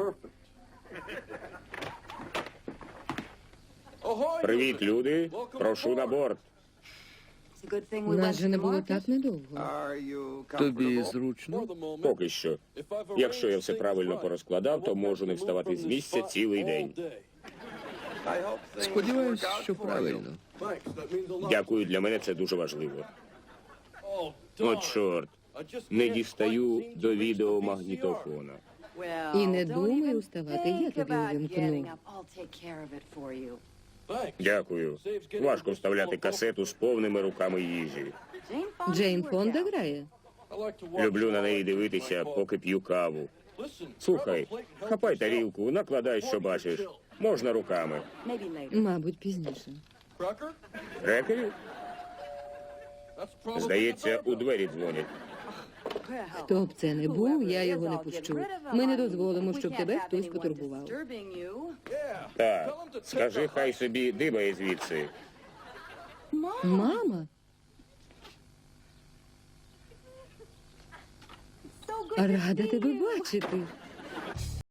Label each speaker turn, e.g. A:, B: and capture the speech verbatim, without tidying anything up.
A: Привіт, люди. Прошу на борт.
B: Нас же не було так недовго.
C: Тобі зручно?
A: Поки що. Якщо я все правильно порозкладав, то можу не вставати з місця цілий день.
C: Сподіваюсь, що правильно.
A: Дякую, для мене це дуже важливо. О, чорт. Не дістаю до відеомагнітофона.
B: І не думай уставати, я тобі увімкну.
A: Дякую. Важко вставляти касету з повними руками їжі.
B: Джейн Фонда грає.
A: Люблю на неї дивитися, поки п'ю каву. Слухай, хапай тарілку, накладай, що бачиш. Можна руками.
B: Мабуть, пізніше.
A: Крекерів? Здається, у двері дзвонять.
B: Хто б це не був, я його не пущу. Ми не дозволимо, щоб тебе хтось потурбував.
A: Так, скажи, хай собі дибає звідси.
B: Мама? Рада тебе бачити.